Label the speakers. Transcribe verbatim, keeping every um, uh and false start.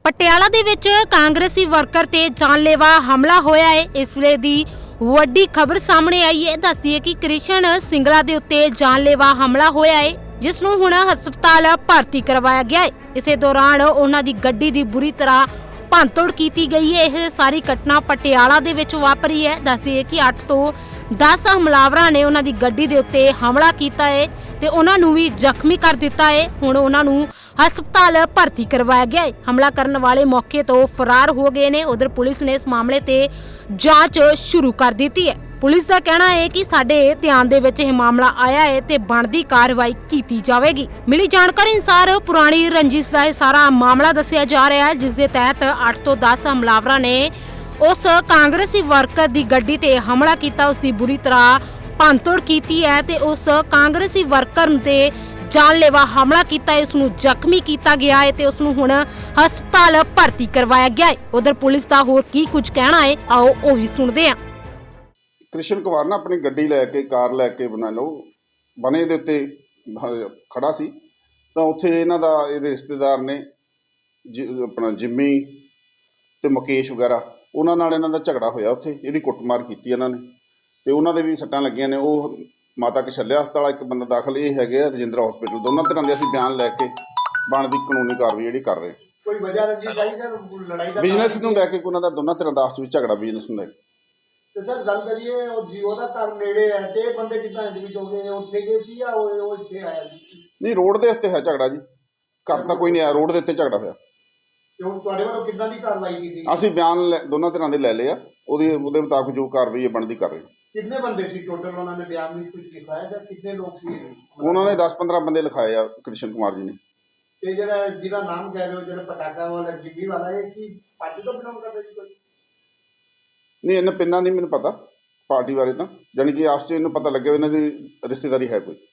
Speaker 1: ਪਟਿਆਲਾ ਦੇ ਵਿੱਚ ਕਾਂਗਰਸੀ ਵਰਕਰ ਤੇ ਜਾਨਲੇਵਾ ਹਮਲਾ ਹੋਇਆ ਹੈ। ਇਸ ਵੇਲੇ ਦੀ ਵੱਡੀ ਖਬਰ ਸਾਹਮਣੇ ਆਈ ਹੈ। ਦੱਸਦੀ ਹੈ ਕਿ ਕ੍ਰਿਸ਼ਨ ਸਿੰਗਲਾ ਦੇ ਉੱਤੇ ਜਾਨਲੇਵਾ ਹਮਲਾ ਹੋਇਆ ਹੈ, ਜਿਸ ਨੂੰ ਹੁਣ ਹਸਪਤਾਲ ਭਰਤੀ ਕਰਵਾਇਆ ਗਿਆ ਹੈ। ਇਸੇ ਦੌਰਾਨ ਉਹਨਾਂ ਦੀ ਗੱਡੀ ਦੀ ਬੁਰੀ ਤਰ੍ਹਾਂ ਭੰਨਤੋੜ ਕੀਤੀ ਗਈ ਹੈ। ਇਹ ਸਾਰੀ ਘਟਨਾ ਪਟਿਆਲਾ ਦੇ ਵਿੱਚ ਵਾਪਰੀ ਹੈ। ਦੱਸਦੀ ਹੈ ਕਿ ਅੱਠ ਤੋਂ ਦਸ ਹਮਲਾਵਰਾਂ ਨੇ ਉਹਨਾਂ ਦੀ ਗੱਡੀ ਦੇ ਉੱਤੇ ਹਮਲਾ ਕੀਤਾ ਹੈ ਤੇ ਉਹਨਾਂ ਨੂੰ ਵੀ ਜ਼ਖਮੀ ਕਰ ਦਿੱਤਾ ਹੈ। ਹੁਣ ਉਹਨਾਂ ਨੂੰ ਹਸਪਤਾਲ ਭਰਤੀ ਕਰਵਾਇਆ ਗਿਆ ਹੈ। ਹਮਲਾ ਕਰਨ ਵਾਲੇ ਮੌਕੇ ਤੋਂ ਫਰਾਰ ਹੋ ਗਏ ਨੇ। ਉਧਰ ਪੁਲਿਸ ਨੇ ਇਸ ਮਾਮਲੇ ਤੇ ਜਾਂਚ ਸ਼ੁਰੂ ਕਰ ਦਿੱਤੀ ਹੈ। ਪੁਲਿਸ ਦਾ ਕਹਿਣਾ ਹੈ ਕਿ ਸਾਡੇ ਧਿਆਨ ਦੇ ਵਿੱਚ ਇਹ ਮਾਮਲਾ ਆਇਆ ਹੈ ਤੇ ਬਣਦੀ ਕਾਰਵਾਈ ਕੀਤੀ ਜਾਵੇਗੀ। ਮਿਲੀ ਜਾਣਕਾਰੀ ਅਨੁਸਾਰ ਪੁਰਾਣੀ ਰੰਜਿਸ਼ ਦਾ ਇਹ ਸਾਰਾ ਮਾਮਲਾ ਦੱਸਿਆ ਜਾ ਰਿਹਾ ਹੈ, ਜਿਸ ਦੇ ਤਹਿਤ ਅੱਠ ਤੋਂ ਦਸ ਹਮਲਾਵਰਾਂ ਨੇ ਉਸ ਕਾਂਗਰਸੀ ਵਰਕਰ ਦੀ ਗੱਡੀ ਤੇ ਹਮਲਾ ਕੀਤਾ, ਉਸ ਦੀ ਬੁਰੀ ਤਰ੍ਹਾਂ ਭੰਨਤੋੜ ਕੀਤੀ ਹੈ ਤੇ ਉਸ ਕਾਂਗਰਸੀ ਵਰਕਰ ਤੇ ਜਾਨਲੇਵਾ ਹਮਲਾ ਕੀਤਾ ਹੈ। ਇਸ ਨੂੰ ਜ਼ਖਮੀ ਕੀਤਾ ਗਿਆ ਹੈ ਤੇ ਉਸ ਨੂੰ ਹੁਣ ਹਸਪਤਾਲ ਭਰਤੀ ਕਰਵਾਇਆ ਗਿਆ ਹੈ। ਉਧਰ ਪੁਲਿਸ ਦਾ ਹੋਰ ਕੀ ਕੁਝ ਕਹਿਣਾ ਹੈ, ਆਓ ਉਹ ਵੀ ਸੁਣਦੇ ਹਾਂ।
Speaker 2: ਕ੍ਰਿਸ਼ਨ ਕੁਮਾਰ ਨਾ ਆਪਣੀ ਗੱਡੀ ਲੈ ਕੇ ਕਾਰ ਲੈ ਕੇ ਬਣਾ ਲਓ ਬਣੇ ਦੇ ਉੱਤੇ ਖੜਾ ਸੀ ਤਾਂ ਉੱਥੇ ਇਹਨਾਂ ਦਾ ਇਹਦੇ ਰਿਸ਼ਤੇਦਾਰ ਨੇ ਜ ਆਪਣਾ ਜਿੰਮੀ ਤੇ ਮੁਕੇਸ਼ ਵਗੈਰਾ ਉਹਨਾਂ ਨਾਲ ਇਹਨਾਂ ਦਾ ਝਗੜਾ ਹੋਇਆ। ਉੱਥੇ ਇਹਦੀ ਕੁੱਟਮਾਰ ਕੀਤੀ ਇਹਨਾਂ ਨੇ ਤੇ ਉਹਨਾਂ ਦੇ ਵੀ ਸੱਟਾਂ ਲੱਗੀਆਂ ਨੇ। ਉਹ ਮਾਤਾ ਕਸ਼ਲਿਆ ਹਸਪਤਾਲ ਇੱਕ ਬੰਦਾ ਦਾਖਲ, ਇਹ ਹੈਗੇ ਆ ਰਜਿੰਦਰਾ ਹਸਪੀਟਲ। ਦੋਨਾਂ ਤਰ੍ਹਾਂ ਦੇ ਅਸੀਂ ਬਿਆਨ ਲੈ ਕੇ ਬਣਦੀ ਕਾਨੂੰਨੀ ਕਾਰਵਾਈ ਜਿਹੜੀ ਕਰ ਰਹੇ।
Speaker 3: ਕੋਈ ਵਜ੍ਹਾ ਰੰਜਿਸ਼ ਆਈ ਸਰ ਲੜਾਈ ਦਾ?
Speaker 2: ਬਿਜ਼ਨਸ ਨੂੰ ਲੈ ਕੇ ਉਹਨਾਂ ਦਾ ਦੋਨਾਂ ਤਰ੍ਹਾਂ ਦਾ ਆਪਸ ਵਿੱਚ ਝਗੜਾ ਬਿਜ਼ਨਸ ਨੂੰ ਲੈ ਕੇ।
Speaker 3: ਤੇ ਸਰ ਗੱਲ ਕਰੀਏ ਉਹ ਜੀਓ ਦਾ ਘਰ ਨੇੜੇ ਹੈ ਤੇ ਇਹ ਬੰਦੇ ਕਿੱਦਾਂ ਐਡਮਿਟ ਹੋ ਗਏ? ਉੱਥੇ ਗਏ ਸੀ ਜਾਂ ਉਹ ਉਹ ਇੱਥੇ ਆਇਆ ਸੀ?
Speaker 2: ਨਹੀਂ, ਰੋਡ ਦੇ ਉੱਤੇ ਹੈ ਝਗੜਾ ਜੀ, ਘਰ ਤਾਂ ਕੋਈ ਨਹੀਂ ਆਇਆ, ਰੋਡ ਦੇ ਉੱਤੇ ਝਗੜਾ ਹੋਇਆ।
Speaker 3: ਤੇ ਹੁਣ ਤੁਹਾਡੇ ਵੱਲੋਂ ਕਿੱਦਾਂ ਦੀ ਕਾਰਵਾਈ ਕੀਤੀ?
Speaker 2: ਅਸੀਂ ਬਿਆਨ ਦੋਨਾਂ ਤਰ੍ਹਾਂ ਦੇ ਲੈ ਲਏ ਆ, ਉਹਦੀ ਉਹਦੇ ਮੁਤਾਬਕ ਜੋ ਕਾਰਵਾਈ ਹੈ ਬਣਦੀ ਕਰ ਰਹੇ।
Speaker 3: ਕਿੰਨੇ ਬੰਦੇ ਸੀ ਟੋਟਲ? ਉਹਨਾਂ ਨੇ ਬਿਆਨ ਵਿੱਚ ਕੁਝ ਲਿਖਾਇਆ ਜਾਂ ਕਿੰਨੇ ਲੋਕ ਸੀ?
Speaker 2: ਉਹਨਾਂ ਨੇ ਦਸ ਪੰਦਰਾਂ ਬੰਦੇ ਲਿਖਾਏ ਆ ਕ੍ਰਿਸ਼ਨ ਕੁਮਾਰ ਜੀ ਨੇ।
Speaker 3: ਤੇ ਜਿਹੜਾ ਜਿਹਦਾ ਨਾਮ ਕਹਿ ਰਹੇ ਹੋ, ਜਿਹੜਾ ਪਟਾਕਾ ਵਾਲਾ ਜਿੰਮੀ ਵਾਲਾ, ਇਹ ਕੀ ਪਾਰਟੀ ਤੋਂ ਬਿਲੋਂਗ ਕਰਦਾ ਜੀ ਕੋਈ?
Speaker 2: ਨਹੀਂ, ਇਹਨਾਂ ਪਿੰਨਾਂ ਨਹੀਂ ਮੈਨੂੰ ਪਤਾ ਪਾਰਟੀ ਬਾਰੇ ਤਾਂ, ਜਾਣੀ ਕਿ ਆਸ 'ਚ ਇਹਨੂੰ ਪਤਾ ਲੱਗਿਆ ਇਹਨਾਂ ਦੀ ਰਿਸ਼ਤੇਦਾਰੀ ਹੈ ਕੋਈ।